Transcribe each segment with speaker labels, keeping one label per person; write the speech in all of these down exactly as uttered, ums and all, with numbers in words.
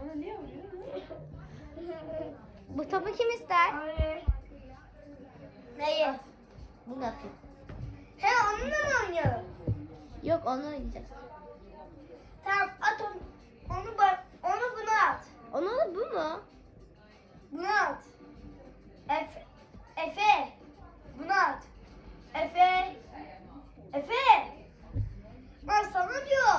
Speaker 1: Bana niye vuruyorsun?
Speaker 2: Bu topu kim ister?
Speaker 1: Hayır.
Speaker 2: Neyi? Bunu atayım. He onunla mı oynayalım? Yok onu oynayacağız. Tamam at onu. Onu bak. Onu buna at. Onu da bu mu? Buna at. Efe. Efe. Buna at. Efe. Efe. Ben sana diyor.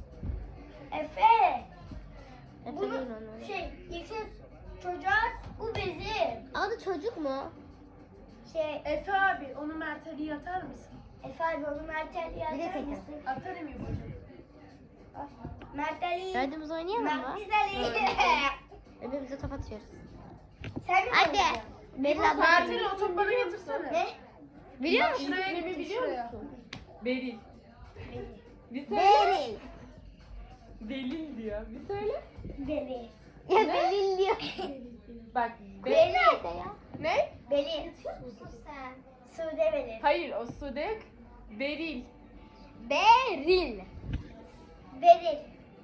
Speaker 2: Efe. Bunu şey yeşil çocuğa bu bizim. Adı çocuk mu? Şey
Speaker 1: Efe abi onu Mert Ali'ye atar mısın?
Speaker 2: Efe abi onu Mert Ali'ye atar mısın?
Speaker 1: Atarım ya hocam.
Speaker 2: Mert Ali. Dördümüz oynayalım mı? Mert Ali. Öbürümüze top atıyoruz. Sen mi hadi.
Speaker 1: Mert Ali o topu bana getirsene.
Speaker 2: Ne? Biliyor musun?
Speaker 1: Şuraya gibi biliyor musun?
Speaker 3: Beril. Bir söyle.
Speaker 2: Beril.
Speaker 3: Belil diyor. Bir söyle.
Speaker 2: Beril. Ya Beril diyor.
Speaker 3: Bak.
Speaker 2: Beril
Speaker 3: Be-
Speaker 2: nerede ya?
Speaker 3: Ne?
Speaker 2: Beril. Yatıyor musun sen? Sude Beril.
Speaker 3: Hayır o Sude yok. Beril.
Speaker 2: Beril. Beril.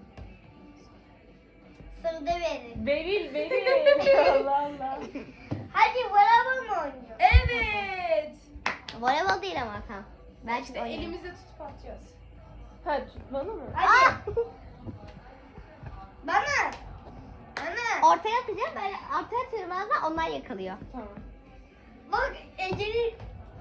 Speaker 2: Sude Beril.
Speaker 3: Beril, Beril. Allah Allah.
Speaker 2: Hadi voleybol mu oynuyor?
Speaker 1: Evet.
Speaker 2: Voleybol değil ama tam. Ben
Speaker 1: İşte elimizde tutup atacağız.
Speaker 3: Ha tutmalı mı?
Speaker 2: Hadi. Bana. Bana. Ortaya atacağım. Ben ortaya atıyorum bazen onlar yakalıyor.
Speaker 3: Tamam.
Speaker 2: Bak Ece'nin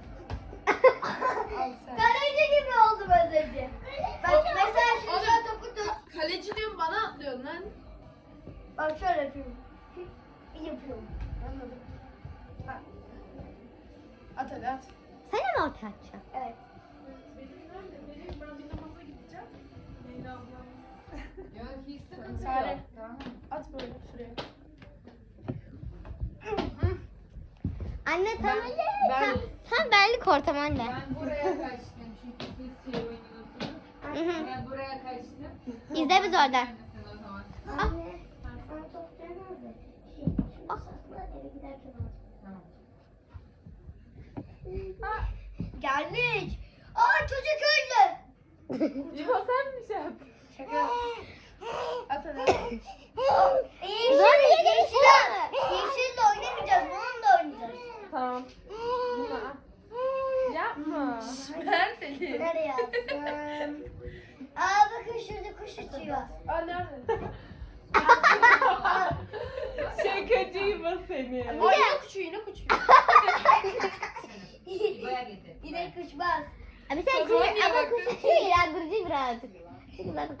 Speaker 1: Al sen.
Speaker 2: kaleci gibi oldum az önce. Bak mesela şimdi sen topu tut.
Speaker 1: Kaleci diyorum bana atlıyorsun lan.
Speaker 2: Bak şöyle yapıyorum. Yapıyorum.
Speaker 1: Anladım. Ha. At hadi at.
Speaker 2: Sen de mi ortaya atacaksın? Evet.
Speaker 1: Sare. At böyle şuraya.
Speaker 2: Anne tam
Speaker 3: Ben- ben-
Speaker 2: tam, tam benlik ortam anne.
Speaker 4: Ben buraya kaçtım çünkü siz şey oynuyorsunuz.
Speaker 2: Hı hı.
Speaker 4: Ben buraya kaçtım.
Speaker 2: İzle biz oradan.
Speaker 4: Sen o zaman.
Speaker 2: Anne. Sen top nerede? Şey, eve giderken
Speaker 4: Tamam.
Speaker 2: geldik. Aa çocuk öldü.
Speaker 3: İbo sen mi şey yaptın?
Speaker 1: Şaka. At hadi.
Speaker 2: Yeşil, yeşil, yeşille oynamayacağız. Bununla oynayacağız.
Speaker 3: Tamam. Bunu al. Yapma.
Speaker 1: Mert Ali.
Speaker 2: Nereye attım? Aa bakın şurada kuş uçuyor.
Speaker 1: Aa nerede?
Speaker 3: Şakacı İbo seni.
Speaker 1: Ay yine uçuyor yine uçuyor.
Speaker 4: Buraya getir.
Speaker 2: Yine uçmaz. Abi sen
Speaker 1: O zaman
Speaker 2: kuş,
Speaker 1: niye
Speaker 2: ama
Speaker 1: baktın?
Speaker 2: kuş uçuyor inandırıcı birazcık. Şimdi bak.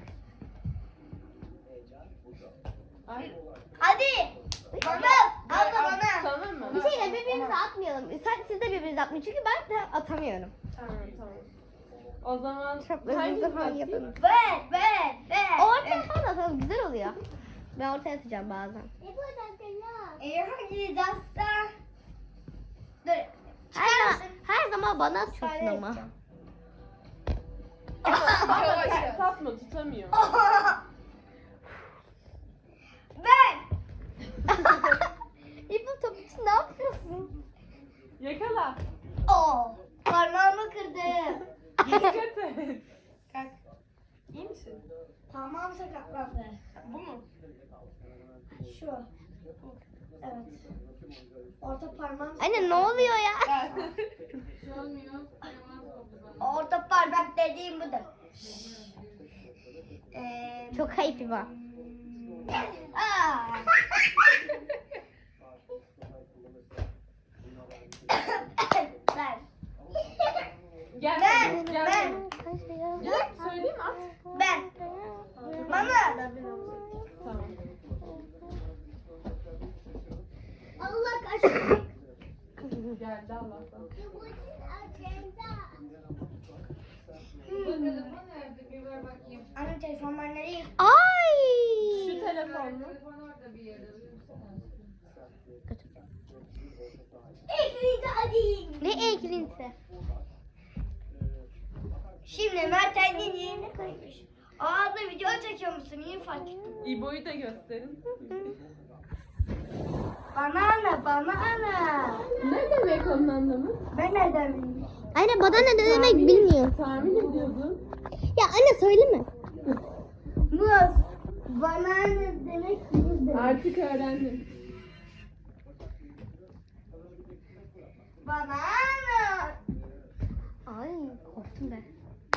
Speaker 3: Ay.
Speaker 2: Hadi. Bana. Abla bana.
Speaker 3: Sana mı?
Speaker 2: Bir şeyle birbirimize atmayalım. Sen, siz de birbirinize atmayın çünkü ben de atamıyorum.
Speaker 3: Tamam tamam. O zaman
Speaker 2: Çok özür
Speaker 3: hangisi
Speaker 2: dilerim
Speaker 3: atayım?
Speaker 2: yapalım. Ver, ver, ver. Ortaya falan atalım güzel oluyor. Ben ortaya atacağım bazen. E hadi dasta. Dur. Her, her zaman bana atıyorsun ama.
Speaker 1: Yavaş yavaş.
Speaker 3: Tatma tutamıyor.
Speaker 2: Ben. İpo top için ne yapıyorsun?
Speaker 3: Yakala.
Speaker 2: Oo, parmağımı kırdım.
Speaker 3: Dikkat et.
Speaker 1: Kalk. İyi misin?
Speaker 2: Parmağım sakatlandı.
Speaker 1: Bu mu?
Speaker 2: Şu. Evet. Orta parmağım. Anne ne oluyor ya?
Speaker 4: Bir şey olmuyor. Yaman oldu bana.
Speaker 2: Orta parmak dediğim budur. Ee, Çok ayıp İbo. Aa. Ben.
Speaker 3: Gel.
Speaker 2: Ben.
Speaker 3: Gel.
Speaker 2: Ben.
Speaker 3: Gel. Söyleyeyim mi? At.
Speaker 2: Ben. Mama.
Speaker 3: Tamam.
Speaker 2: Allah kaçtı.
Speaker 3: Geldi Allah'tan.
Speaker 4: Bu telefon nerede? Bir ver bakayım.
Speaker 2: Anne telefon ben nereye? Ay.
Speaker 3: Şu telefon mu?
Speaker 4: Telefon orada bir yerde.
Speaker 2: Eklint'i alayım. Ne eklintisi? Şimdi Mert Ali'nin yerine koymuş. Aa da video çekiyor musun? İyi fark ettim.
Speaker 3: İbo'yu da gösterin.
Speaker 2: Banana, banana.
Speaker 3: Ne demek onun anlamı?
Speaker 2: Ben nereden bileyim? Anne bana ne demek bilmiyorum.
Speaker 3: Tahmin ediyordun.
Speaker 2: Ya anne söyleme. Muz. Banana demek muz
Speaker 3: Artık öğrendim.
Speaker 2: Banana. Ay korktum ben.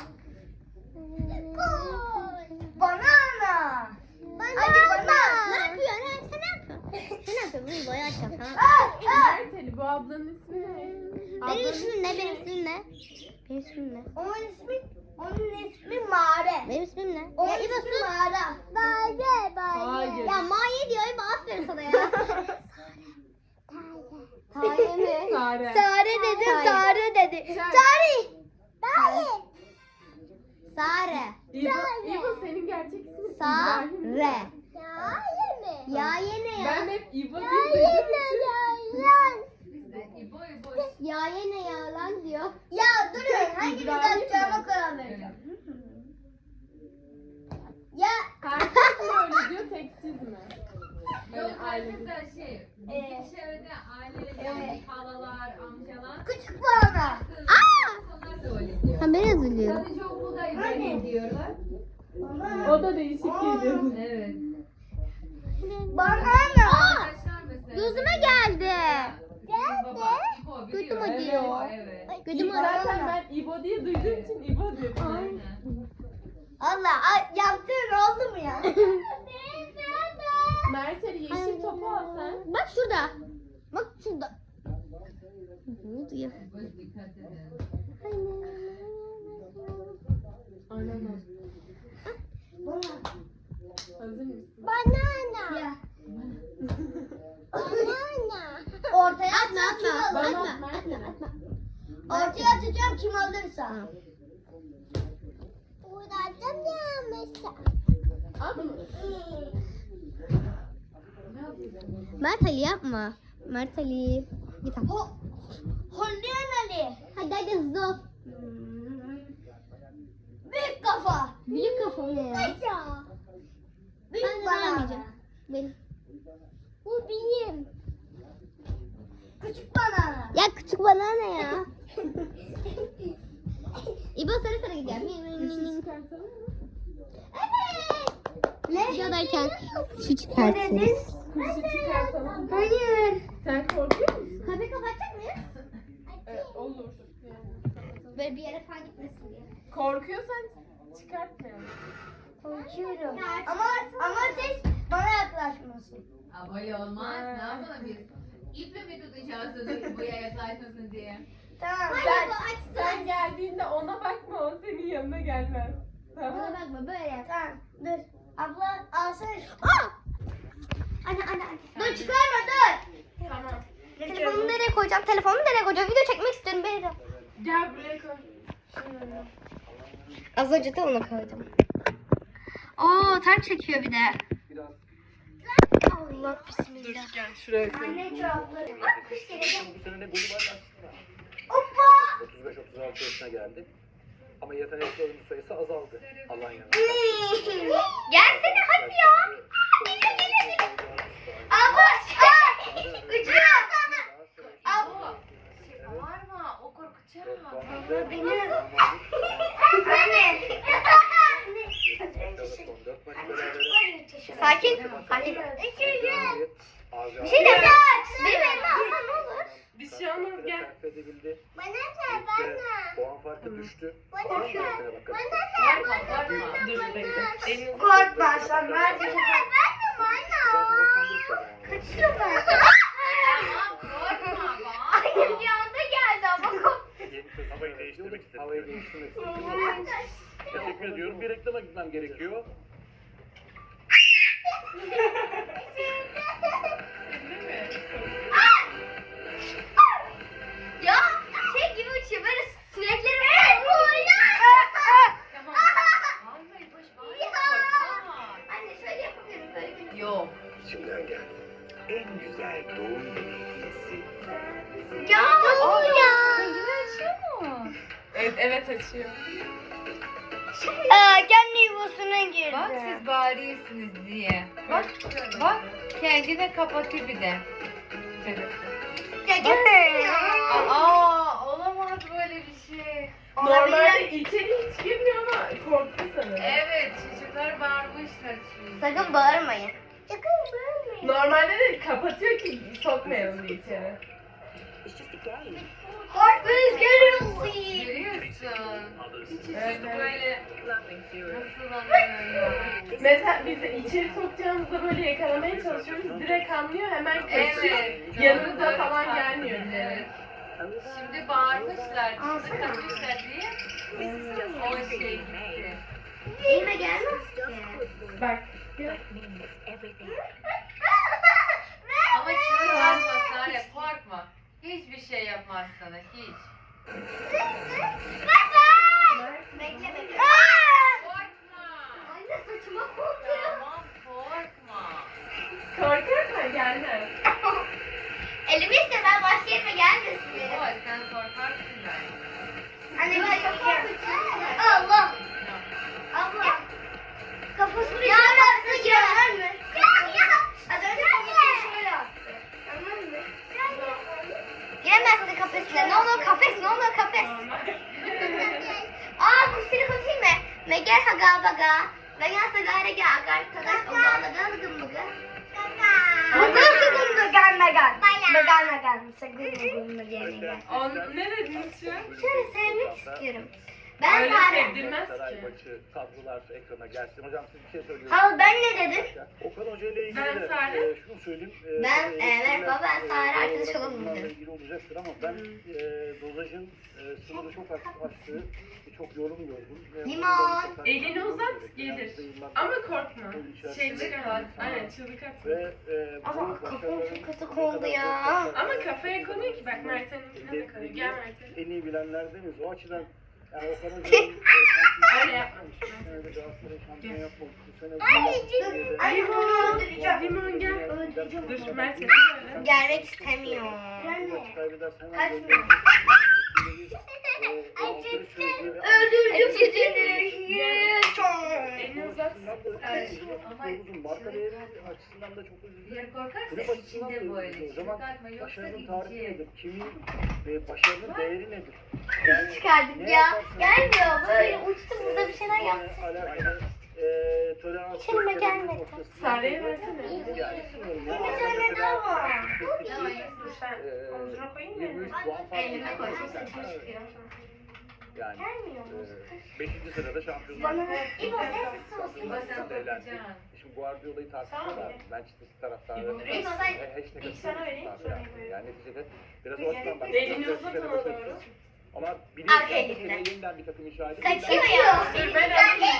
Speaker 2: Banana. Hadi banana. Ne yapıyorsun? Ha, sen ne yapıyorsun? Sen ne yapıyorsun? Bunu boya açacağım tamam.
Speaker 3: Merteli bu ablanın ismi ne?
Speaker 2: Benim ismim ne? Benim ismim ne? Benim ismim ne? Onun ismi onun ismi Mare. Benim ismim ne? Onun ismi Mare. Mare, Mare.
Speaker 3: Hayır.
Speaker 2: Ya Mare diyor. İbo aferin sana ya. Tare mi?
Speaker 3: Sare.
Speaker 2: Sare dedim, Tare dedi. Tare. Tare. Sare.
Speaker 3: İbo, İbo senin gerçek ismin
Speaker 2: Sare.
Speaker 3: İbrahim.
Speaker 2: Yaye mi? Yaye ne ya?
Speaker 3: Ben hep İbo diye duyduğum için.
Speaker 4: Biz de İbo İbo.
Speaker 2: Yaye ne ya lan diyor. Ya durun hanginiz
Speaker 3: İbrahim
Speaker 2: atacağıma
Speaker 3: mi?
Speaker 2: karar vereceğim. Ya
Speaker 3: Herkes mi öyle diyor tek siz mi? Böyle
Speaker 4: Yok
Speaker 3: aile.
Speaker 4: mesela şey.
Speaker 2: Ee,
Speaker 4: Bizim çevrede aileler
Speaker 2: evet.
Speaker 4: yani halalar, amcalar.
Speaker 2: küçük bana.
Speaker 4: Kız,
Speaker 2: Aa!
Speaker 4: Onlar da öyle diyor.
Speaker 2: Ben beni üzülüyorum.
Speaker 4: Sadece okulda İbrahim diyorlar.
Speaker 3: O da değişik geliyor.
Speaker 4: Evet.
Speaker 2: Bana.
Speaker 4: Arkadaşlar mesela.
Speaker 2: Gözüme geldi.
Speaker 4: Baba, İbo biliyor.
Speaker 2: Gözüm acıyor.
Speaker 4: Evet.
Speaker 2: Gözüm
Speaker 3: Zaten ben İbo diye duyduğum için İbo dedim.
Speaker 4: Aynen.
Speaker 2: Allah yaptığın oldu mu ya?
Speaker 3: Merteli yeşil topu al sen.
Speaker 2: Bak şurada. Bak şurada. Ne oldu ya?
Speaker 4: Boş dikkat edin.
Speaker 3: Aynen. Hazır mısın?
Speaker 2: Banana. Ya. Banana. Ortaya atma atma.
Speaker 3: Bana
Speaker 2: Atma,
Speaker 3: at Merteli.
Speaker 2: atma. Ortaya atacağım kim alırsa. Buradan ya mesela.
Speaker 3: Al bunu.
Speaker 2: Mert Ali yapma. Mert Ali. Git al. Ho Holleyen Ali. Hadi hadi hızlı ol. Büyük kafa. Büyük kafa ne ya? Büyük ben banana. Benim. Bu benim. Küçük banana. Ya küçük banana ya. İbo sarı sarı gidiyor.
Speaker 3: Yeşil çıkartalım mı?
Speaker 2: Evet. Ne? Videodayken şu
Speaker 3: Ne
Speaker 2: çıkartırız.
Speaker 3: Kuşu çıkartalım.
Speaker 2: Hayır.
Speaker 3: Sen korkuyor musun?
Speaker 2: Kapıyı kapatacak mıyız?
Speaker 3: Evet, olur. Yani.
Speaker 2: Böyle bir yere falan gitmesin diye.
Speaker 3: Korkuyorsan çıkartmayalım.
Speaker 2: Korkuyorum. Ama ama siz bana yaklaşmasın.
Speaker 4: Aa, böyle olmaz. Ne yapalım biz? İple mi tutacağız da buraya yaklaşmasın diye?
Speaker 2: Tamam.
Speaker 3: Sen,
Speaker 2: Sen,
Speaker 3: sen geldiğinde ona bakma, o senin yanına gelmez.
Speaker 2: Bana
Speaker 3: Tamam.
Speaker 2: bakma böyle. Tamam. Dur. Abla alsana. Aa! Anne anne anne. Dur çıkarma dur.
Speaker 3: Tamam.
Speaker 2: Telefonumu nereye koyacağım? Telefonumu nereye koyacağım? Video çekmek istiyorum beni de.
Speaker 3: Gel buraya koy.
Speaker 2: Az önce de onu koydum. Oo ter çekiyor bir de. Allah bismillah.
Speaker 3: Gel şuraya koy.
Speaker 2: Anne çorapları. Bak kuş gelecek.
Speaker 5: Bu sene ne golü var aslında.
Speaker 2: Hoppa.
Speaker 5: otuz beş otuz altı yaşına geldi. Ama yetenekli oyuncu sayısı azaldı. Alanya'da.
Speaker 2: Gelsene hadi ya. Geliyor geliyor. Abla. Aa, uçuyor. Abla.
Speaker 4: Bağırma. O korkacak.
Speaker 2: Anne. Sakin. Sakin. Bir şey de benim elime alsan ne olur?
Speaker 3: Bir şey olmaz, gel.
Speaker 2: Bana ver bana.
Speaker 5: Puan farkı düştü.
Speaker 2: Bana ver.
Speaker 4: Bağırma. Bağırma.
Speaker 3: Dur bekle. Elini
Speaker 2: Korkma sen ver. Ben de bana. Kaçıyor ben.
Speaker 4: Bağırma.
Speaker 2: Ay bir anda geldi ama korktum.
Speaker 5: Havayı değiştirmek istedim. Havayı değiştirmek istedim. Teşekkür ediyorum. Bir reklama gitmem gerekiyor.
Speaker 2: Ya şey gibi uçuyor böyle sinekleri böyle.
Speaker 4: Bağırmayın. Boş bağırma.
Speaker 2: Anne şöyle yapamıyorum böyle.
Speaker 4: Yok.
Speaker 5: İçimden geldi. En güzel doğum hediyesi.
Speaker 2: Ya ya.
Speaker 3: Evet, evet açıyor.
Speaker 2: Aa, kendi yuvasına girdi.
Speaker 4: Bak siz bağırıyorsunuz diye. Bak. Bak. Kendine kapatıyor bir de.
Speaker 2: Ya gelsene ya.
Speaker 4: Aa, olamaz böyle bir şey.
Speaker 3: Normalde içeri hiç girmiyor ama korktu sanırım.
Speaker 4: Evet çocuklar bağırmışlar çünkü.
Speaker 2: Sakın bağırmayın. Sakın bağırmayın.
Speaker 3: Normalde de kapatıyor ki sokmayalım diye içeri.
Speaker 2: Korkmayın, gelin.
Speaker 4: Görüyorsun.
Speaker 3: Evet,
Speaker 4: Çocuk
Speaker 3: evet.
Speaker 4: böyle nasıl anlıyor?
Speaker 3: Mesela biz de içeri sokacağımızda böyle yakalamaya çalışıyoruz. Direkt anlıyor, hemen kaçıyor.
Speaker 4: Evet.
Speaker 3: Yanımıza
Speaker 4: doğru,
Speaker 3: falan
Speaker 4: doğru.
Speaker 3: gelmiyor bile.
Speaker 4: Evet. Şimdi bağırmışlar, çocuk kaçmışlar diye o şey gitti.
Speaker 2: Elime gelmez ki.
Speaker 3: Bak.
Speaker 4: Ama çığır varma Sare, korkma. Hiçbir şey yapmaz sana, hiç.
Speaker 2: Bekle bekle.
Speaker 4: Korkma.
Speaker 2: Anne saçıma korkuyor.
Speaker 4: Tamam, korkma.
Speaker 3: Korkarsan gelmez.
Speaker 2: Elimi iste, ben başka yerime gelmesin benim.
Speaker 4: Oy, sen korkarsın ben.
Speaker 2: Anne ben çok korkuyorum. Allah. Abla. Kafasını ya ben girer mi? Ya ya. Az önce kafasını şöyle attı. Tamam mı? Giremezsin kafesine. Ne olur kafes, ne olur kafes. Aa kuşları konuşayım mı? Meger haga baga. Meger sagare ge agar kadaş omağla galgın mı gı? Mıgı sıgın megan megan. Megan megan. Sıgın mıgın megan megan.
Speaker 3: On, ne dediniz şu an?
Speaker 2: Şöyle sevmek istiyorum. Ben
Speaker 3: Öyle
Speaker 2: Sare.
Speaker 3: sevdirmez
Speaker 5: Saray
Speaker 3: ki.
Speaker 5: maçı, tablolar ekrana gelsin. Hocam siz bir şey söylüyorsunuz.
Speaker 2: Hala ben ne dedim?
Speaker 5: Okan Hoca ile ilgili
Speaker 3: Ben
Speaker 5: de
Speaker 3: Sare.
Speaker 5: e, şunu söyleyeyim. E,
Speaker 2: Ben,
Speaker 5: e,
Speaker 2: evet,
Speaker 5: eleştiriler,
Speaker 2: baba, ben
Speaker 5: e,
Speaker 2: Sare
Speaker 5: doğal
Speaker 2: arkadaş
Speaker 5: olarak
Speaker 2: olalım
Speaker 5: bunlarla
Speaker 2: dedim.
Speaker 5: ilgili olacaktır ama ben e, dozajın e, sınırı çok açık açtığı çok yorum gördüm. Ve
Speaker 2: Limon.
Speaker 5: bunu da dikkat
Speaker 3: Elini
Speaker 5: etmemiz
Speaker 3: uzat,
Speaker 5: gerekiyor.
Speaker 3: gelir.
Speaker 5: Yani yıllar-
Speaker 3: Ama korkma. Şey
Speaker 5: İçerisinde-
Speaker 3: çıkar. Aynen çığlık atma.
Speaker 5: Ve e, bu
Speaker 2: Ama kafam
Speaker 5: başarıların
Speaker 2: çok kötü
Speaker 5: ne
Speaker 2: oldu
Speaker 5: kadar
Speaker 2: ya.
Speaker 5: zor
Speaker 3: Ama kafaya konuyor ki bak Mert'in de konuyor. Gel Mert'e.
Speaker 5: en iyi bilenlerdeniz. O açıdan yani Okan Hoca'nın e,
Speaker 3: Öyle yapmamış.
Speaker 5: bu sene de Galatasaray şampiyon yapmadı. Bu sene
Speaker 2: Anneciğim,
Speaker 5: Ay,
Speaker 3: Limon.
Speaker 2: öldüreceğim.
Speaker 3: Limon gel. Dur Mert yapı böyle.
Speaker 2: Gelmek istemiyor. Kaçmıyor. Öldürdüm sizi.
Speaker 3: Elini uzat.
Speaker 5: Ama marka değeri açısından da çok
Speaker 4: Bir
Speaker 5: üzücü.
Speaker 4: yer korkarsa
Speaker 5: Kulüp açısından da
Speaker 4: içinde
Speaker 5: üzücü.
Speaker 4: böyle.
Speaker 5: O
Speaker 4: Çığlık
Speaker 5: zaman
Speaker 4: atma yoksa
Speaker 5: başarının tarifi
Speaker 4: gidecek.
Speaker 5: nedir? Kimin ve başarının değeri nedir? Yani
Speaker 2: Çıkardık
Speaker 5: ne
Speaker 2: ya.
Speaker 5: yaparsanız-
Speaker 2: Gelmiyor. Böyle uçtu burada bir şeyler yaptı.
Speaker 5: Ee, alakalı, eee, tolerans
Speaker 2: İçime
Speaker 5: göstermek
Speaker 2: gelmedi.
Speaker 5: noktasında-
Speaker 3: Sare'ye versene.
Speaker 5: Yani bilmiyorum ya.
Speaker 2: Bir tane daha var.
Speaker 3: Tamam dur sen omzuna koyayım
Speaker 5: yirmi üç
Speaker 3: mı?
Speaker 5: puan fark
Speaker 2: Elime
Speaker 5: var.
Speaker 2: koy.
Speaker 5: Evet. Yani
Speaker 2: Gelmiyor.
Speaker 5: eee, beşinci sırada şampiyonlar.
Speaker 2: Bana
Speaker 5: Ligi.
Speaker 2: İbo sen sus.
Speaker 4: İbo sen
Speaker 5: Şampiyonlar Ligi.
Speaker 4: korkacaksın.
Speaker 5: Şimdi Guardiola'yı tartışıyorlar. Manchester taraftarı.
Speaker 3: İbo,
Speaker 5: ve-
Speaker 2: İbo sen-
Speaker 5: ve hashtag
Speaker 3: İlk sana vereyim,
Speaker 5: taraftarı
Speaker 3: sonra
Speaker 5: yani.
Speaker 3: İbo'ya.
Speaker 5: Yani neticede biraz o açıdan bak.
Speaker 3: Elini uzat ona doğru.
Speaker 5: Ama
Speaker 2: Arkaya
Speaker 5: biliyorsun
Speaker 2: gitti.
Speaker 5: ki yeniden bir takım inşa edip
Speaker 2: Kaçıyor ya.
Speaker 3: Dur ben alayım.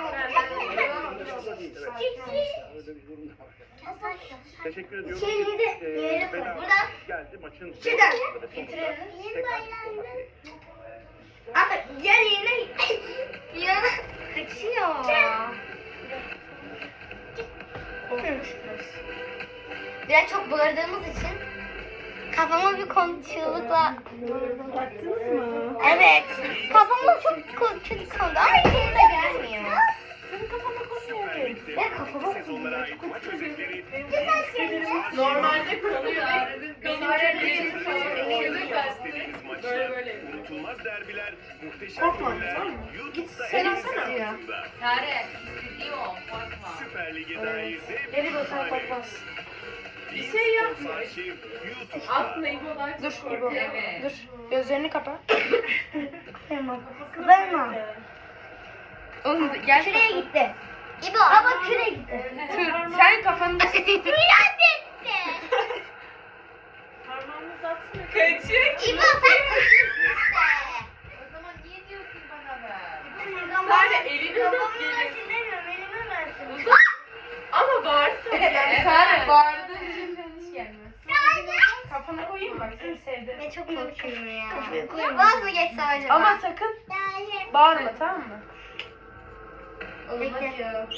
Speaker 5: Öyle bir durum da var. Teşekkür ediyorum.
Speaker 2: Şeyini de
Speaker 5: Ee,
Speaker 2: yere koy.
Speaker 5: Fena
Speaker 2: Buradan.
Speaker 5: geldi maçın
Speaker 2: Şuradan.
Speaker 5: sonunda ve sonunda
Speaker 2: Getirelim.
Speaker 5: tekrar olmak dileğiyle.
Speaker 2: Ama yer yerine ya kaçıyor. Biraz çok bağırdığımız için kafama bir kon çığlıkla vurdum.
Speaker 3: Baktınız mı?
Speaker 2: Evet. Kafama çok ko- kötü kondu ama yerine gelmiyor.
Speaker 3: Senin kafana konuyor.
Speaker 2: Ve kafama konuyor.
Speaker 3: Normalde konuyor. Benim
Speaker 4: Sare
Speaker 3: benim falan çığlık attı. Böyle böyle.
Speaker 6: Unutulmaz derbiler, muhteşem
Speaker 3: Korkma,
Speaker 6: goller,
Speaker 3: tamam mı?
Speaker 6: YouTube'da
Speaker 2: Sen
Speaker 6: en
Speaker 2: alsana.
Speaker 6: altında.
Speaker 4: Sare, istediği o, korkma.
Speaker 6: Süper Lig'e dair dev
Speaker 3: Geri dön sen korkmaz. Bir şey yapmıyor.
Speaker 6: arşiv YouTube'da.
Speaker 3: Aslında İbo daha çok
Speaker 1: Dur,
Speaker 3: korkuyor.
Speaker 1: İbo.
Speaker 4: Evet.
Speaker 1: Dur. Gözlerini kapa.
Speaker 2: Kıvırma.
Speaker 1: Oğlum gel.
Speaker 2: Şuraya gitti. İbo. Baba şuraya gitti.
Speaker 1: Dur. Sen kafanı da
Speaker 2: Rüya gitti.
Speaker 3: Parmağını uzatsana. Kaçıyor.
Speaker 2: İbo sen kaçıyorsun işte.
Speaker 4: O zaman niye diyorsun bana ben?
Speaker 3: Sare elini uzat
Speaker 2: Kafamı
Speaker 3: gelin.
Speaker 2: versin demiyorum, elimi versin.
Speaker 3: Uzat. Ama bağırsın.
Speaker 4: Evet.
Speaker 1: Sare bağırdığın için ben hiç gelmez. Kafana koyayım bak seni sevdim.
Speaker 2: Ne çok korkuyorum ya. Kafaya koyayım. Vaz mı geçse acaba?
Speaker 1: Ama sakın bağırma tamam mı?
Speaker 4: Olmaz ya.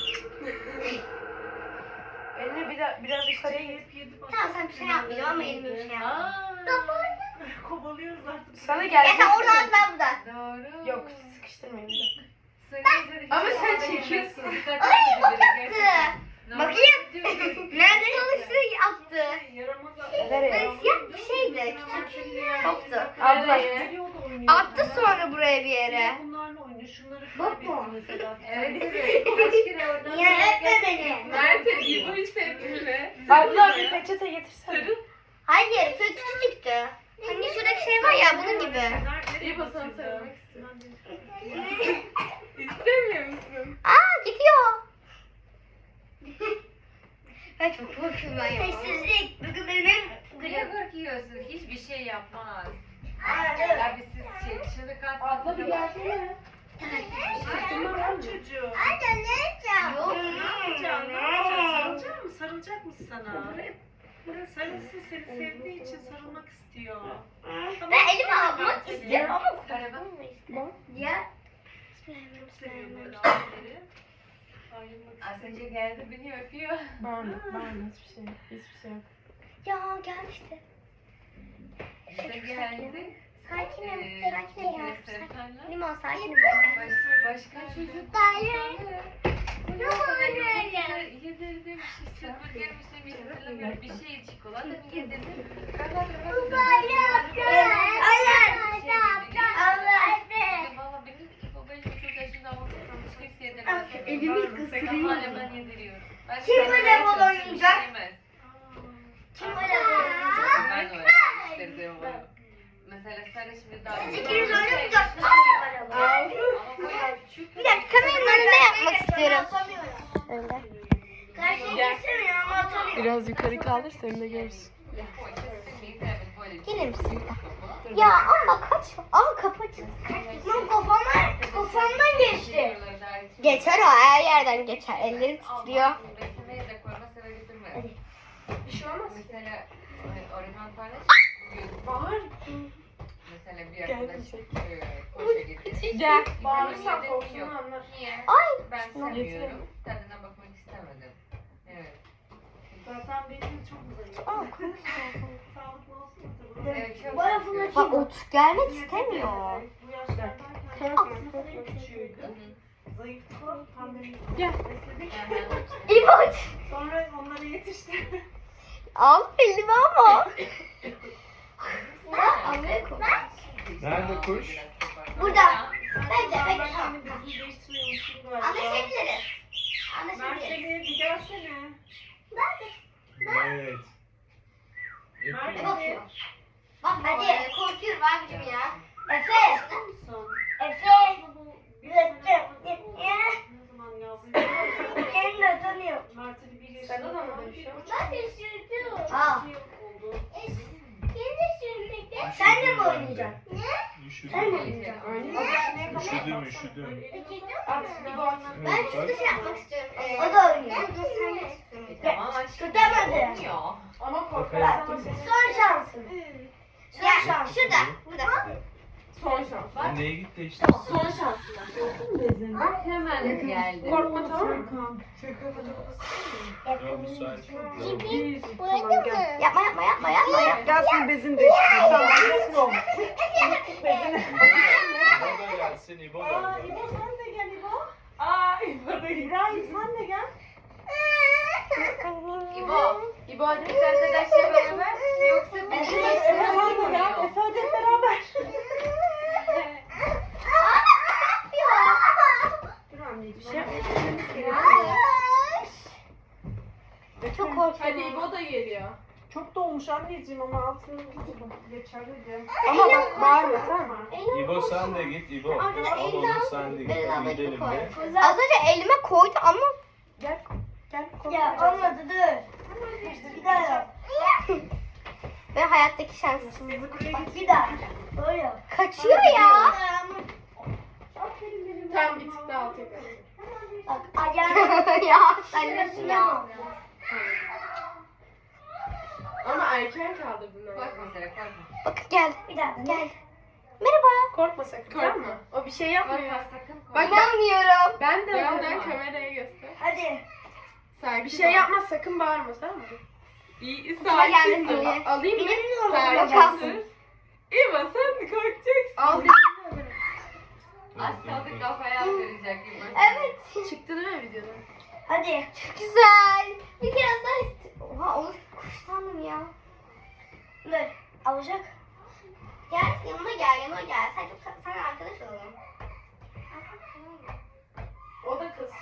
Speaker 1: Elini bir de biraz yukarıya git.
Speaker 2: Tamam sen bir şey yapmayacağım ama elimi bir şey yapma.
Speaker 4: Aa,
Speaker 3: Kovalıyoruz artık.
Speaker 1: Sana
Speaker 2: Ya
Speaker 1: geldi.
Speaker 2: sen oradan at, ben buradan.
Speaker 4: doğru.
Speaker 1: Yok sıkıştırmayayım bir dakika.
Speaker 4: Söyleyince de
Speaker 1: Ama
Speaker 4: hiç
Speaker 1: sen
Speaker 4: orada
Speaker 1: çekiyorsun.
Speaker 4: yemezsin. Dikkat
Speaker 2: Ay
Speaker 4: edin
Speaker 2: o
Speaker 4: dedi,
Speaker 2: yaptı.
Speaker 4: gerçekten. Normal
Speaker 2: Bakayım.
Speaker 4: diyorsun.
Speaker 2: Nerede çalıştığı yaptı.
Speaker 3: Yaramaz
Speaker 1: Nereye?
Speaker 2: Böyle siyah bir şeydi. Küçük toptu.
Speaker 1: Abla.
Speaker 2: Attı sonra bir yere.
Speaker 7: Bunlarla oynuyor. Şunları
Speaker 2: Bak
Speaker 7: kaybetti
Speaker 2: mı?
Speaker 7: mesela.
Speaker 4: Evet, evet. Kaç kere oradan.
Speaker 2: Niye öpme beni?
Speaker 3: Mert'e İbo'yu sevdim mi? Abla bir peçete getirsene.
Speaker 2: Hayır, şu küçücüktü. Hani şuradaki şey var ya bunun gibi.
Speaker 3: İbo sana sarılmak istiyorum. İstemiyor musun?
Speaker 2: Aa gidiyor. Ben çok korkuyorum ben ya. Sessizlik. Bugün benim
Speaker 4: Niye korkuyorsun? Hiçbir şey yapmaz.
Speaker 2: gülüm.
Speaker 4: Abi siz şey, çığlık
Speaker 3: Abla bir
Speaker 4: atmadınız.
Speaker 3: gelsene.
Speaker 7: Tamam çocuğu.
Speaker 2: Anne ne yapacağım?
Speaker 7: Yok ne yapacaksın? Ne yapacaksın? Sarılacak mı? Sarılacak mı sana? Sarılsın, seni sevdiği için sarılmak istiyor.
Speaker 2: Ben elimi almak istiyorum ama
Speaker 4: Araba.
Speaker 2: ya.
Speaker 7: Seviyor böyle aileleri. Ayrılmak
Speaker 4: Az önce geldi beni öpüyor.
Speaker 3: Bağırma, bağırma hiçbir şey. Hiçbir şey yok.
Speaker 2: Ya gelmişti.
Speaker 4: İşte geldi.
Speaker 2: Sakinim,
Speaker 4: Ee,
Speaker 2: sakinim ya.
Speaker 4: Serkan'la
Speaker 2: Limon sakinim ben.
Speaker 4: baş, başka çocuk.
Speaker 2: Hayır.
Speaker 4: Yok öyle. Yedirdim işte burger mi yemiş hatırlamıyorum. Bir şey çikolata mı yedirdim. Valla benim babacığım çok yaşında olmuş. Hiç yedirmez.
Speaker 2: Elimi kısırıyor.
Speaker 4: Hala ben yediriyorum. Ben
Speaker 2: Kim
Speaker 4: sana
Speaker 2: böyle bol
Speaker 4: çalışıyorum,
Speaker 2: oynayacak?
Speaker 4: yemez.
Speaker 2: Kim öyle oynayacak?
Speaker 4: Ben öğretmiştirdim onu. Mesela sarı şimdi daha...
Speaker 2: Siz ikiniz oynamayacak mısınız?
Speaker 4: Ama böyle küçük...
Speaker 2: Bir dakika kameranın önünde yapmak istiyorum. Öyle.
Speaker 3: Biraz yukarı kaldır seni de görürsün.
Speaker 2: Gelir misin? Ya ama kaç. Aa kapı açık. Lan kafamdan, kafamdan geçti. Geçer o her yerden geçer. Elleri titriyor.
Speaker 3: Bir şey olmaz.
Speaker 4: Mesela e, orman paylaş.
Speaker 3: Bağır.
Speaker 4: Mesela bir arkadaş e, koşa gitti.
Speaker 3: Gel.
Speaker 4: Bağırırsan
Speaker 3: Bağırırsan korktuğunu anlar.
Speaker 4: Niye?
Speaker 2: Ay.
Speaker 4: Ben
Speaker 3: Getirelim.
Speaker 4: sevmiyorum. Tadına bakmak istemedim. Evet.
Speaker 7: Zaten benim çok zayıf.
Speaker 2: Aa,
Speaker 7: Sağlıklı olsun da tabii.
Speaker 4: Evet, çok
Speaker 2: Bana
Speaker 4: seviyorum.
Speaker 2: Bak otur gelmek istemiyor.
Speaker 7: Bu yaşlardayken en küçüğüydü. Zayıftı. Pandemi.
Speaker 3: Gel.
Speaker 7: Besledik.
Speaker 2: İboç.
Speaker 7: Sonra onlara yetişti.
Speaker 2: Al elimi ama. Ya Amerika.
Speaker 6: Nerede kuş?
Speaker 2: Burada. Bence
Speaker 7: Ben
Speaker 2: bekle.
Speaker 7: senin bezini değiştiriyormuşum galiba.
Speaker 2: Anlaşabiliriz. Anlaşabiliriz.
Speaker 7: Mert'e bir gelsene.
Speaker 6: Evet.
Speaker 2: Ne bakıyor? Bak hadi. Korkuyorum abicim ya. Efe.
Speaker 7: Son.
Speaker 2: Efe.
Speaker 7: Ne zaman yazdın?
Speaker 2: Elini de tanıyor.
Speaker 7: Mert'e bir bir
Speaker 3: Sana da mı
Speaker 7: yaşında.
Speaker 3: dönüşüyor?
Speaker 2: Ben de sürdüm. Al.
Speaker 7: oldu.
Speaker 2: Sen de mi oynayacaksın?
Speaker 6: Üşüdüm.
Speaker 2: Sen de mi oynayacaksın?
Speaker 6: Üşüdüm, üşüdüm.
Speaker 3: At, İbo at.
Speaker 2: Ben
Speaker 6: Evet,
Speaker 2: şurada
Speaker 6: bak.
Speaker 2: şey yapmak istiyorum. O da oynuyor.
Speaker 4: Tamam aşkım.
Speaker 2: Tutamadı.
Speaker 4: Olmuyor.
Speaker 3: Ama korkarsan seni.
Speaker 2: Son şansın. Ya şurada. Burada.
Speaker 3: Son şans.
Speaker 6: Sen neye gitti işte?
Speaker 3: Son şans.
Speaker 4: Bak hemen geldi.
Speaker 3: Korkma tamam mı?
Speaker 6: Ya müsait.
Speaker 3: Bir.
Speaker 2: Yapma yapma yapma yapma. yapma.
Speaker 7: Gelsin bezin değiştirelim. Tamam.
Speaker 6: İbo da gelsin, İbo da
Speaker 7: Aa,
Speaker 6: gelsin.
Speaker 7: İbo sen de gel İbo.
Speaker 3: Aa İbo da gitti.
Speaker 7: İbrahim sen de gel.
Speaker 4: İbo. İbo hadi biz arkadaşlar beraber. Yoksa biz
Speaker 7: Efe sen de gel. Efe hadi hep beraber. Dur anneciğim.
Speaker 2: Çok korkuyorum.
Speaker 3: Hadi İbo da geliyor.
Speaker 7: Çok dolmuş anneciğim ama altını geçer hadi.
Speaker 3: Ama bak bağırma tamam mı?
Speaker 6: İbo sen de git, İbo.
Speaker 2: Arkada
Speaker 6: Al
Speaker 2: elini
Speaker 6: onu
Speaker 2: al.
Speaker 6: sen de git.
Speaker 2: Elini al,
Speaker 6: Hadi gidelim
Speaker 2: koy.
Speaker 6: de.
Speaker 2: Az önce elime koydu ama
Speaker 3: Gel. Gel.
Speaker 2: ya olmadı dur. Bir daha yap. Ve hayattaki şanssızlık. Bak bir daha. Böyle. Kaçıyor ya.
Speaker 3: Tamam bir tık daha al tekrar.
Speaker 2: Bak ayağım. ya sen nesin ya?
Speaker 3: Ama erken kaldırdın ama.
Speaker 4: Bak mesela korkma.
Speaker 2: Bak gel. Bir daha gel. Merhaba.
Speaker 3: Korkma sakın tamam mı? O bir şey yapmıyor.
Speaker 4: Korkma sakın korkma.
Speaker 3: Bak ben,
Speaker 2: İnanmıyorum.
Speaker 3: ben de
Speaker 4: Bağırma.
Speaker 3: önden kameraya göster.
Speaker 2: Hadi.
Speaker 3: Sakin. Bir şey yapma sakın bağırma tamam mı? İyi
Speaker 2: Kime
Speaker 3: sakin.
Speaker 2: gelmesin
Speaker 3: dur.
Speaker 2: diye.
Speaker 3: Alayım mı?
Speaker 2: Bilmiyorum.
Speaker 3: Sakin.
Speaker 2: Kalsın.
Speaker 3: İbo sen mi korkacaksın? Al dediğini alırım.
Speaker 4: Az kaldı kafaya attıracak gibi.
Speaker 2: Evet.
Speaker 3: Çıktı değil mi videoda?
Speaker 2: Hadi. Çok güzel. Bir kere daha ist- Oha onu kuş sandım ya. Dur. Alacak. Gel yanıma gel, yanıma gel. Sen çok sen arkadaş olalım.
Speaker 3: O da kız.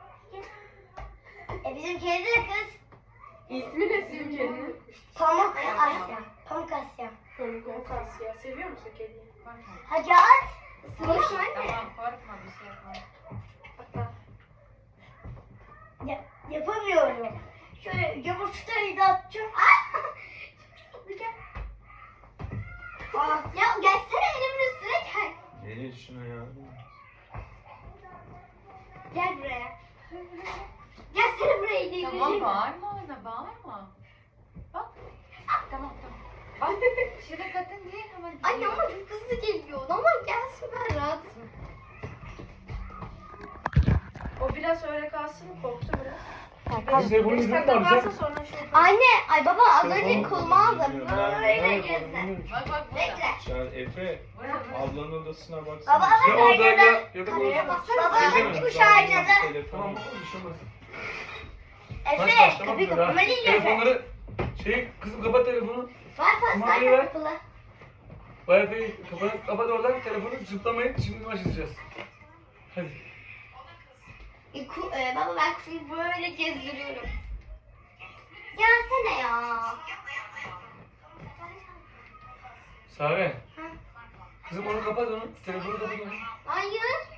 Speaker 2: E bizim kedi de kız.
Speaker 3: İsmi ne senin kedinin?
Speaker 2: Pamuk Asya. Pamuk Asya.
Speaker 3: Pamuk Asya. Seviyor musun kediyi?
Speaker 2: Hadi at. Isırmış mı anne?
Speaker 4: Tamam korkma bir şey yapma.
Speaker 2: Ya, yapamıyorum. Şöyle yumurtayı da atacağım. Ah! Aa, ya gelsene elimin üstüne gel.
Speaker 6: Gelin şuna ya.
Speaker 2: Gel buraya. Gelsene buraya değil.
Speaker 4: Tamam bağırma ona bağırma. Bak. Tamam tamam. Bak şurada kadın değil ama.
Speaker 2: Anne ama çok hızlı geliyor. Ama gelsin ben rahatım.
Speaker 3: O biraz öyle kalsın, korktu biraz.
Speaker 5: Size bunu
Speaker 3: Beş
Speaker 5: izin
Speaker 3: dakika
Speaker 5: var
Speaker 3: kalsın
Speaker 5: bize.
Speaker 3: sonra şey yapalım.
Speaker 2: Anne, ay baba az önce
Speaker 6: Telefonu
Speaker 2: kolumu aldım.
Speaker 6: bilmiyorum.
Speaker 2: Böyle
Speaker 6: Ben-
Speaker 2: gezdi.
Speaker 4: Bak bak burada.
Speaker 2: Bekle.
Speaker 6: Sen Efe,
Speaker 4: Burada burada.
Speaker 6: ablanın odasına baksana.
Speaker 2: Baba
Speaker 5: Ya
Speaker 2: bak
Speaker 5: orada ya
Speaker 2: aynada.
Speaker 5: ya da
Speaker 2: Kareye
Speaker 5: bu.
Speaker 2: baksana. Baba
Speaker 6: Şey
Speaker 2: bak
Speaker 6: mi?
Speaker 2: kuş
Speaker 6: Tamam,
Speaker 2: aynada.
Speaker 6: telefon.
Speaker 5: Tamam bir şey olmaz.
Speaker 2: Efe,
Speaker 5: Baş
Speaker 2: kapıyı
Speaker 5: başlamak
Speaker 2: kapama
Speaker 5: üzere.
Speaker 2: değil Efe.
Speaker 5: Telefonları şey kızım kapat telefonu.
Speaker 2: Var var
Speaker 5: Kumandayı
Speaker 2: zaten
Speaker 5: ver.
Speaker 2: kapalı.
Speaker 5: Wi-Fi'yi kapat, kapat oradan telefonu zıplamayın. Şimdi başlayacağız. Hadi.
Speaker 2: E, ku, e, baba ben kuşumu böyle gezdiriyorum. Gelsene ya.
Speaker 5: Sare. Kızım onu kapat onu. Telefonu kapat onu.
Speaker 2: Hayır.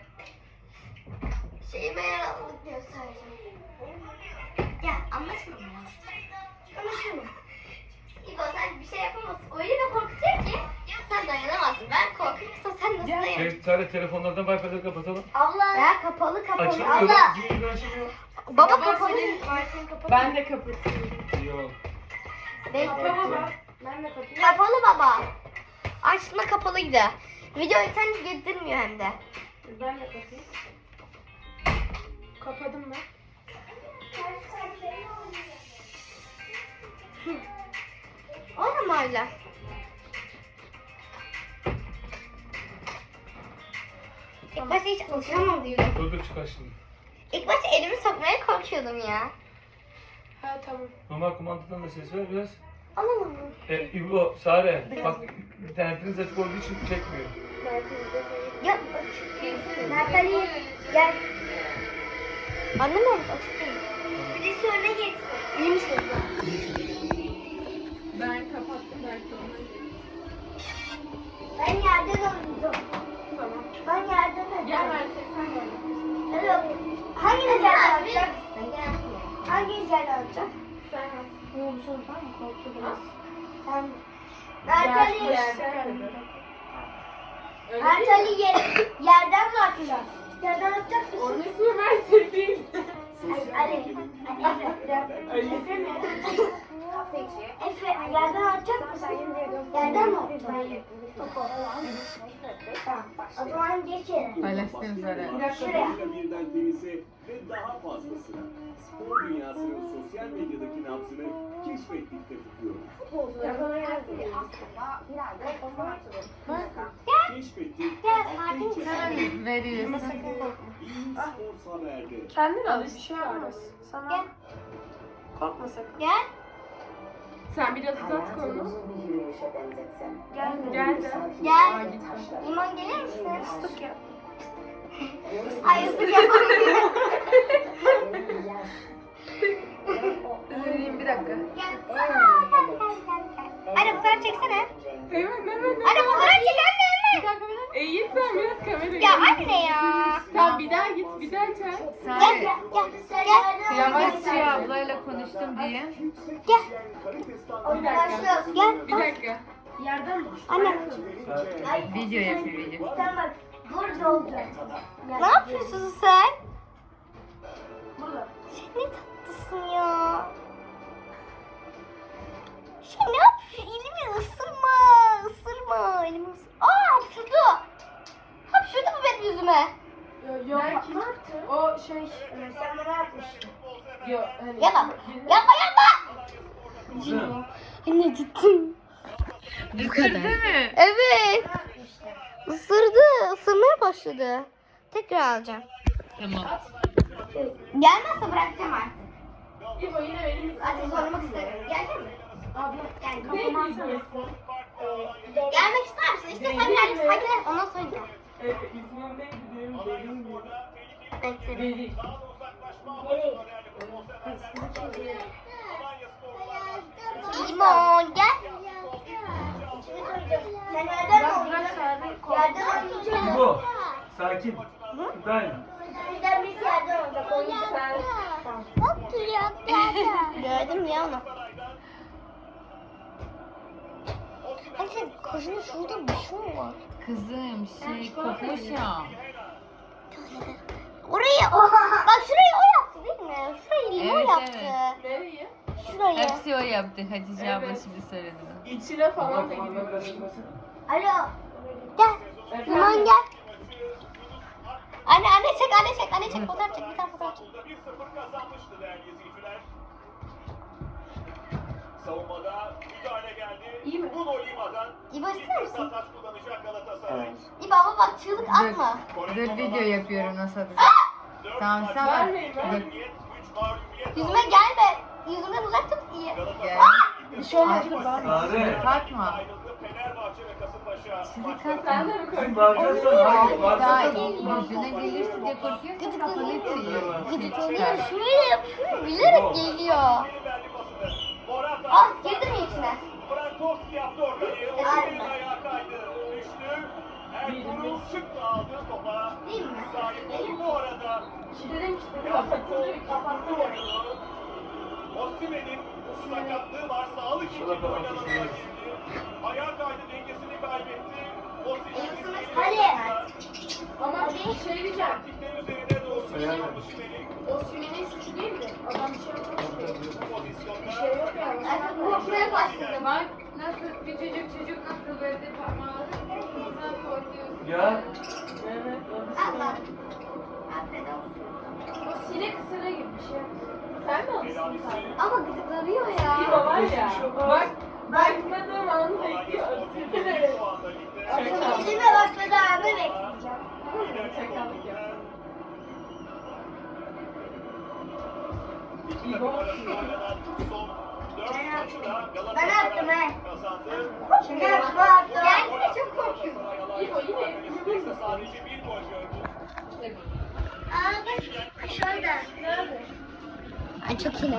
Speaker 2: Şeyime yaralık göstereceğim. Gel anlaşıldı mı? Anlaşıldı. İbo sen bir şey yapamazsın. Öyle bir korkutuyor ki sen dayanamazsın. Ben korkuyorsam sen nasıl dayanacaksın?
Speaker 5: Şey, Sare telefonlardan Wi-Fi'leri kapatalım.
Speaker 2: Abla. Ya kapalı kapalı.
Speaker 5: Açılmıyor
Speaker 2: Abla.
Speaker 5: bak. Zihin yüzünden açılmıyor.
Speaker 2: Baba,
Speaker 3: Baba
Speaker 2: kapalı.
Speaker 3: senin Wi-Fi'ni kapat. Ben de kapatıyorum.
Speaker 6: Yok.
Speaker 2: Bekle.
Speaker 3: Kapa baba. Ben de kapatayım.
Speaker 2: Kapalı baba. Açtığında kapalıydı. Video internet getirmiyor hem de.
Speaker 3: Ben de kapatayım. Kapadım ben.
Speaker 2: O mu öyle? İlk başta hiç alışamam diyorum.
Speaker 5: Dur dur çıkar şimdi.
Speaker 2: İlk başta elimi sokmaya korkuyordum ya.
Speaker 3: Ha tamam.
Speaker 5: Normal kumandadan da ses ver biraz.
Speaker 2: Alalım mı?
Speaker 5: E, İbo, Sare. Bak internetiniz açık olduğu için çekmiyor.
Speaker 2: Ya Natali gel. Annem mi açık değil? Birisi öne geçsin. İyi misin?
Speaker 3: Ben kapattım belki onu.
Speaker 2: Ben yerden oynayacağım.
Speaker 3: Tamam.
Speaker 2: Ben yerden oynayacağım.
Speaker 3: Gel ben sen de oyna.
Speaker 2: Evet. Hanginiz yerden oynayacak? Hanginiz yerden oynayacak?
Speaker 3: Sen at. Ne oldu sonra mı korktu biraz?
Speaker 2: Sen. Natali. Natali yer, yerden mi atacak? Yerden atacak mısın?
Speaker 3: Onun ismi Mert'e değil.
Speaker 2: Ali. Ali. Efe. Efe mi? Efe yerden atacak mısın? Yerden mi atacaksın? Topu. Tamam. O zaman geç yere.
Speaker 4: Paylaştığım üzere.
Speaker 2: Şuraya.
Speaker 8: Birden denize ve daha fazlasına. Spor dünyasının sosyal medyadaki nabzını keşfettikte tutuyoruz. Keşfettik.
Speaker 2: Gel sakin.
Speaker 4: Hemen veriyorsun.
Speaker 8: İyi Spor Haber'de.
Speaker 3: Kendin al. Bir şey olmaz. Sana
Speaker 2: Gel.
Speaker 3: korkma sakın.
Speaker 2: Gel.
Speaker 3: Sen biraz uzat kolunu. Gel gel de.
Speaker 2: Gel. İman gelir misin?
Speaker 3: Fıstık yap.
Speaker 2: Ay ıslık yapamıyorum.
Speaker 4: Üzüleyim bir dakika.
Speaker 2: Gel. Aa, gel, gel, gel, gel. Anne fotoğraf çeksene.
Speaker 3: Hemen hemen.
Speaker 2: Anne fotoğraf çek anne hemen.
Speaker 3: E git sen biraz kamerayı.
Speaker 2: Ya anne ya.
Speaker 3: Tamam bir daha git bir daha çek.
Speaker 2: Gel
Speaker 4: Sare.
Speaker 2: gel gel.
Speaker 4: Yavaşça ablayla konuştum diye.
Speaker 2: Gel. Başlıyoruz. Gel.
Speaker 3: Bir dakika. Yerden mi?
Speaker 2: Anne.
Speaker 4: Video yapıyor video.
Speaker 2: Sen bak. Burada olacak. Ne yapıyorsun sen?
Speaker 3: Burada.
Speaker 2: Sen ne tatlısın ya. Sen ne yapıyorsun? Elimi ısırma. Isırma. Elimi ısırma. Aa hapşurdu. Hapşurdu mu benim yüzüme?
Speaker 3: Yok. O şey. Sen bana yapmıştın. Yok. Hani,
Speaker 2: Yapma. Yapma yapma. Anne gittim.
Speaker 4: Bu kadar. Değil mi?
Speaker 2: Evet. Isırdı. Isırmaya başladı. Tekrar alacağım.
Speaker 4: Tamam.
Speaker 2: Gelmezse bırakacağım artık.
Speaker 3: İbo yine benim.
Speaker 2: Artık sormak istemiyorum. Gelecek mi?
Speaker 3: Abla
Speaker 2: Gel.
Speaker 3: kafama atsana.
Speaker 2: Gelmek ister misin? İşte sen gel. Sen gel. Ondan sonra gel.
Speaker 3: Evet, ismim neydi diyorum, derin mi?
Speaker 2: Bekle.
Speaker 3: Deri.
Speaker 2: Limon gel. Sen nereden
Speaker 1: Bırak abi.
Speaker 2: Yerden oynayacaksın.
Speaker 6: İbo. Sakin. Ben.
Speaker 2: Bizden birisi yerden oynayacak. Oynayacak. Bak duruyor. Gördüm ya onu. Hani sen kızın şurada bir şey mi var?
Speaker 4: Kızım şey kopmuş ya.
Speaker 2: Orayı, bak şurayı o yaptı değil mi? Şurayı limon
Speaker 4: Evet,
Speaker 2: yaptı.
Speaker 4: evet.
Speaker 3: Nereyi?
Speaker 2: Şurayı.
Speaker 4: Hepsi o yaptı Hatice abla
Speaker 3: Evet.
Speaker 4: şimdi söyledi.
Speaker 3: İçine falan da gidiyor.
Speaker 2: Alo. Gel. Limon gel. Anne anne çek anne çek anne çek fotoğraf çek bir tane fotoğraf çek.
Speaker 8: bir sıfır kazanmıştı değerli izleyiciler. Savunmada müdahale geldi.
Speaker 3: İyi mi?
Speaker 8: Bruno Lima'dan
Speaker 2: İbo ister misin?
Speaker 8: taç kullanacak Galatasaray.
Speaker 2: İbo ama bak çığlık atma.
Speaker 4: Dur, dur video yapıyorum nasıl atacağım. Tamam sen bak.
Speaker 3: Vermeyin,
Speaker 4: Dur.
Speaker 3: vermeyin.
Speaker 8: üç mağlubiyet
Speaker 2: Yüzüme gelme. Yüzümden uzak tut iyi.
Speaker 4: Gel.
Speaker 2: Bir şey olmaz.
Speaker 6: Sare.
Speaker 4: Bakma.
Speaker 8: ayrıldı. Fenerbahçe ve Kasımpaşa.
Speaker 4: Sizi
Speaker 3: Sen
Speaker 4: kalsın.
Speaker 3: de mi
Speaker 6: Kızım
Speaker 3: korkuyorsun?
Speaker 6: bağıracaksan hayır.
Speaker 4: Daha
Speaker 6: Bağıracaksan
Speaker 4: yüzüne gelirse diye korkuyorsun kafanı tüyüyor.
Speaker 2: Gıdıklanıyor. Şuraya yapıyorum. Bilerek geliyor.
Speaker 8: Verdi pasını. Morata.
Speaker 2: Ah girdi mi içine?
Speaker 8: Frankowski yaptı ortayı. Osimhen'in ayağı kaydı. Düştü. Ertuğrul çıktı aldı topa.
Speaker 2: Değil mi?
Speaker 8: Sahip oldu bu arada.
Speaker 3: Dedim ki
Speaker 8: Yasin
Speaker 3: kapatılıyor,
Speaker 8: Kol
Speaker 3: kapatılıyor.
Speaker 8: oyunu. Osimhen'in sakatlığı var. Sağlık için oynanana girdi. Ayağı kaydı, dengesini kaybetti. Osimhen'in
Speaker 2: Hadi.
Speaker 3: Ama bir şey diyeceğim.
Speaker 8: taktikler üzerine doğru Osimhen'in
Speaker 3: O Sümeyye'nin suçu değil mi? Adam bir şey yapmamış.
Speaker 8: pozisyonda.
Speaker 3: Bir şey yok yani.
Speaker 2: Artık korkmaya başladım.
Speaker 4: Bak nasıl bir çocuk çocuk nasıl böyle parmağı sen korkuyorsun.
Speaker 6: Ya.
Speaker 3: Evet. o bir
Speaker 2: Allah.
Speaker 3: şey.
Speaker 2: Afiyet olsun.
Speaker 3: O sinek ısırığı gibi bir şey. Sen mi alıştın sen?
Speaker 2: Ama gıdıklanıyor
Speaker 3: İyi
Speaker 2: ya.
Speaker 3: baba ya. Bak. Bakmadığım anı bekliyor. Isırığı.
Speaker 8: Şu anda ligde.
Speaker 3: Çakal.
Speaker 2: Elime bakmadan abi bekleyeceğim.
Speaker 3: Çakallık ya.
Speaker 8: İki takım arasında oynanan son dört maçı da
Speaker 2: Ben attım he.
Speaker 8: kazandı.
Speaker 2: Şimdi yapma attım. Gelme çok korkuyorum.
Speaker 3: İbo yine ismi
Speaker 8: Sadece bir gol gördü.
Speaker 2: Aa bak şurada.
Speaker 3: nerede?
Speaker 2: Ay çok iyi.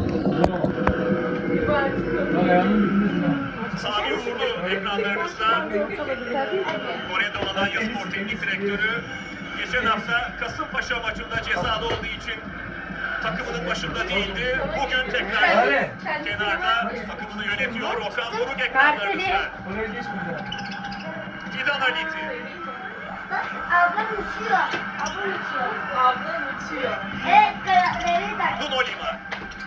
Speaker 3: İbo artık
Speaker 6: Ayağımın üstüne.
Speaker 8: Sami Uğurlu ekranlarınızda. Kore'de Alanya Spor Teknik Direktörü geçen hafta Kasımpaşa maçında cezalı olduğu için takımının başında değildi. Bugün tekrar
Speaker 6: Sare.
Speaker 8: kenarda takımını yönetiyor. Okan Buruk ekranlarınızda.
Speaker 6: Oraya geç buradan.
Speaker 8: Fidan Halit'i.
Speaker 2: Bak ablam uçuyor. Ablam uçuyor.
Speaker 3: ablam uçuyor.
Speaker 2: Evet karakterleri de.
Speaker 8: Bruno Lima.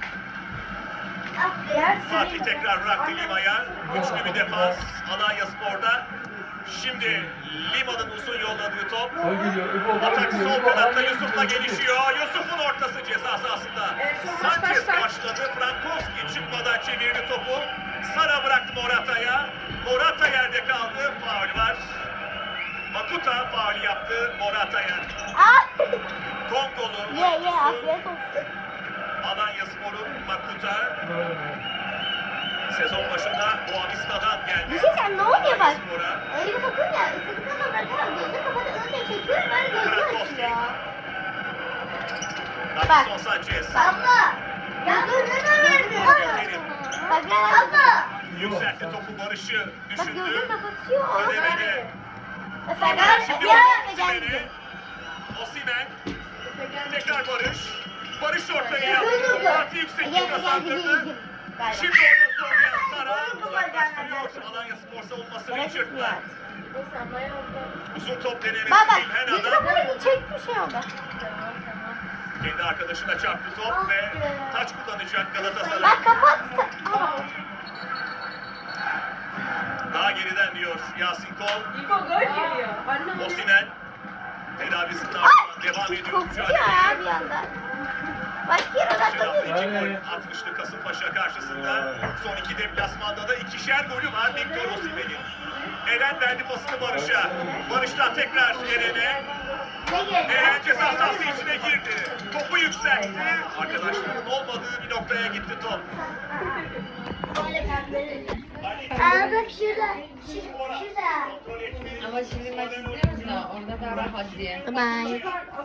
Speaker 2: Aferin.
Speaker 8: Fatih tekrar bıraktı Lima'ya. Güçlü bir defans Alanya Spor'da. Şimdi Lima'nın uzun yolladığı top.
Speaker 6: Gol geliyor. İbo gol
Speaker 8: Atak
Speaker 6: geliyor.
Speaker 8: sol
Speaker 6: İbo,
Speaker 8: kanatta
Speaker 6: gol
Speaker 8: Yusuf'la
Speaker 6: geliyor.
Speaker 8: gelişiyor. Yusuf'un ortası ceza sahasında. Sanchez başladı. Frankowski çıkmadan çevirdi topu. Sara bıraktı Morata'ya. Morata yerde kaldı. Faul var. Makuta faul yaptı Morata'ya.
Speaker 2: Ah.
Speaker 8: Kongolu.
Speaker 2: Ye ye afiyet olsun.
Speaker 8: Alanya Spor'un Makuta. Sezon başında Boavista'dan geldi.
Speaker 2: Bir şey sen ne oluyor bak?
Speaker 8: Spor'a.
Speaker 2: Elimi takınca istediğim zaman bırakıyorum. Gözünü kapatıp öyle çekiyorum. Böyle gözünü açıyor.
Speaker 8: Davinson Sanchez.
Speaker 2: Abla. Gözünü vermiyor. Bak abla.
Speaker 8: Yükseltti topu Barış'ı
Speaker 2: Bak
Speaker 8: düşündü.
Speaker 2: gözünü kapatıyor.
Speaker 8: Ödemedi.
Speaker 2: Mesela
Speaker 8: Şimdi
Speaker 2: ya
Speaker 8: Osimhen'i.
Speaker 2: geldi.
Speaker 8: Osimhen. Tekrar Barış. Barış ortaya yaptı.
Speaker 2: Gözünü
Speaker 8: Fatih yüksekliği kazandırdı. Şimdi orada zorlayan Sara uzaklaştırıyor. Alanya Spor savunmasını çırptı.
Speaker 3: İbo sen bayağı uzak.
Speaker 8: Uzun top denemesi
Speaker 2: Bak bak.
Speaker 8: İlhan
Speaker 2: Gözünü
Speaker 8: Adam.
Speaker 2: kapatınca çekti şey oldu.
Speaker 8: Kendi arkadaşına çarptı top ve taç kullanacak Galatasaray.
Speaker 2: Bak kapattı. Aa.
Speaker 8: Daha geriden diyor Yasin Kol.
Speaker 3: İbo gol geliyor. Anne
Speaker 8: Osimhen tedavisinin ardından devam ediyor
Speaker 2: Korkuyor ya bir
Speaker 8: mücadeleye.
Speaker 2: anda. Başka yere
Speaker 8: Geçen hafta
Speaker 2: odaklanıyor.
Speaker 8: iki gol atmıştı Kasımpaşa karşısında. Son iki deplasmanda da ikişer golü var Victor Osimhen'in. Eren verdi pasını Barış'a. Barış'tan tekrar Eren'e.
Speaker 2: Ne geldi?
Speaker 8: Eren ceza sahası içine girdi. Topu yükseltti. Arkadaşlarının olmadığı bir noktaya gitti top.
Speaker 2: Böyle pembe. Aa bak şurada. Şurada.
Speaker 4: Ama şimdi maç izliyoruz da orada daha rahat diye.
Speaker 2: Bye.